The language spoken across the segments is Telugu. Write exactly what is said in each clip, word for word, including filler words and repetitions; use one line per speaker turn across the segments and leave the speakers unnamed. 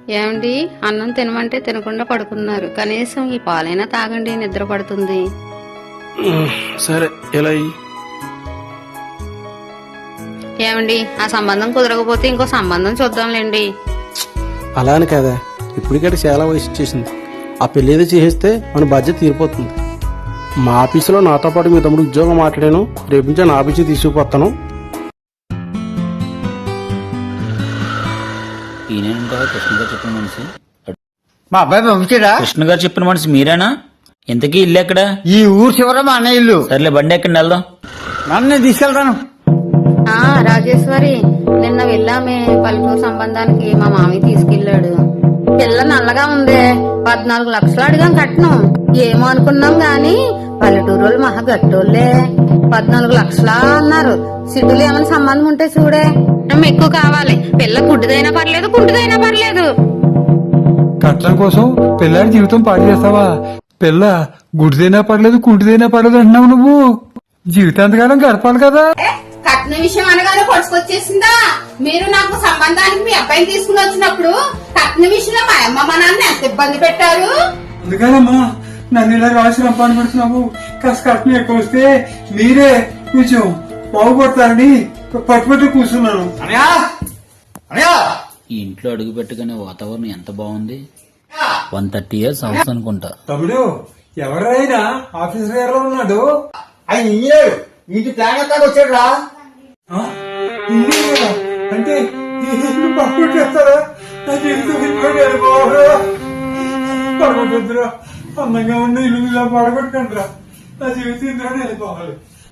ఏమండి, అన్నం తినమంటే తినకుండా పడుకున్నారు. కనీసం ఈ పాలైనా తాగండి, నిద్ర పడుతుంది.
సరే ఎలా
ఏమండి, ఆ సంబంధం కుదరకపోతే ఇంకో సంబంధం చూద్దాంలేండి.
అలా అని కదా, ఇప్పటికంటే చాలా వయసు వచ్చేసింది. ఆ పెళ్లి ఏదో చేసేస్తే మన బాధ్యత తీరిపోతుంది. మా ఆఫీసులో నాతో పాటు మీ తమ్ముడు ఉద్యోగం మాట్లాడాను. రేపు నుంచి నా ఆఫీసు తీసుకుపోతాను.
కృష్ణ గారు చెప్పిన మనిషి
మా అబ్బాయి పంపించాడా?
కృష్ణ గారు చెప్పిన మనిషి మీరేనా? ఇంతకీ ఇల్లు ఎక్కడ?
ఈ ఊరు చివర మా అన్న ఇల్లు.
సర్లే బండి ఎక్కడ వెళ్దాం.
నన్ను తీసుకెళ్తాను.
ఆ రాజేశ్వరి, నిన్న వెళ్ళామే పల్లెటూరు సంబంధానికి. మా మామయ్య తీసుకెళ్లాడు. పిల్ల నల్లగా ఉంది. పద్నాలుగు లక్షలు అడిగాం కట్నం. ఏమో అనుకున్నాం గాని పల్లెటూరు వాళ్ళు మహా గట్టోళ్లే. పద్నాలుగు లక్షలా అన్నారు. సిటీలో ఏమైనా సంబంధం ఉంటే చూడే. ఎక్కువ కావాలి. పిల్ల గుడ్డిదైనా పర్లేదు, కుంటిదైనా పర్లేదు.
కట్నం కోసం పిల్లాడి జీవితం పాడు చేస్తావా? పిల్ల గుడిదైనా పర్లేదు, కుంటిదైనా పర్లేదు అంటున్నావు నువ్వు. జీవితాంతకాలం గడపాలి కదా.
కట్న విషయం అనగానే పొడుచుకొచ్చేసిందా? మీరు నాకు సంబంధానికి మీ అబ్బాయిని తీసుకుని వచ్చినప్పుడు కట్న విషయంలో మా అమ్మ మా నాన్న ఎంత ఇబ్బంది పెట్టారు.
అందుకనమ్మా నన్ను ఇలా రాసి రంపాన్ని పెడుతున్నావు. కాస్త కట్నం ఎక్కువ వస్తే మీరే కొంచెం బాగుపడతారని పట్టుబట్టి కూర్చున్నాను.
ఈ ఇంట్లో అడుగు పెట్టగానే వాతావరణం ఎంత బాగుంది. వన్ థర్టీ ఇయర్స్ హౌస్ అనుకుంటా.
తమ్ముడు ఎవరైనా ఆఫీసర్ గారిలో ఉన్నాడు.
ఆయన ఇంజనీర్ ఇంటి ప్లాన్ ఎక్కడ వచ్చాడు రా.
ఆ? ఇంజనీరా? అంటే పట్టుకొచ్చేస్తారా? నా జీవితం పడగొట్టద్దురా. అందంగా ఉన్న ఇల్లు ఇలా పడగొట్టండిరా. నా జీవితం ఇందులోనే వెళ్ళిపోవాలి.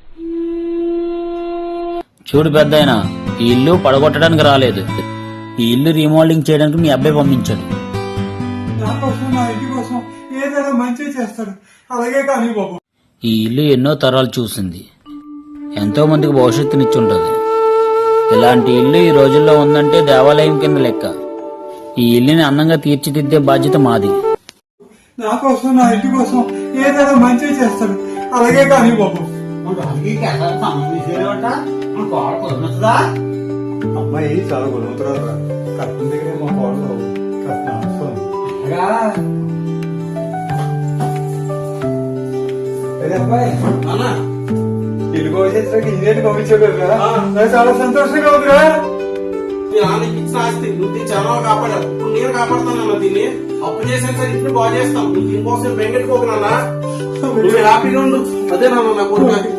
చూడు పెద్దాయన, ఈ ఇల్లు పడగొట్టడానికి రాలేదు. ఈ ఇల్లు రీమోడలింగ్ చేయడానికి మీ అబ్బాయి పంపించాడు.
నా కోసం, నా ఇంటి కోసం ఏదైనా మంచి చేస్తాడు. అలాగే కానీ బాబు,
ఈ ఇల్లు ఎన్నో తరాలు చూసింది. ఎంతో మందికి భవిష్యత్తునిచ్చుంటది. ఇలాంటి ఇల్లు ఈ రోజుల్లో ఉందంటే దేవాలయం కింద లెక్క. ఈ ఇల్లుని అందంగా తీర్చిదిద్దే బాధ్యత మాది.
నా కోసం, నా ఇంటి కోసం ఏదైనా మంచి చేస్తాడు. అలాగే కానీ బాబు. అమ్మాయి చాలా గొడవతురా. కట్నం దగ్గరే మా కోడలు కట్నం అబ్బాయి ఇల్లు కోసేసరికి ఇంజనీర్ పంపించాడు కదా. నాకు చాలా సంతోషంగా ఉందిరా.
ఆస్తి నువ్వు దీన్ని చాలా కాపాడావు. ఇప్పుడు నేను కాపాడుతానన్నా దీన్ని. అప్పు చేసాను సార్, ఇప్పుడు బాగు చేస్తాం. నువ్వు దీనికోసం బెంగెట్టుకోకనన్నా. నువ్వు హ్యాపీగా ఉండు. అదే నాన్న నా కొడుకు.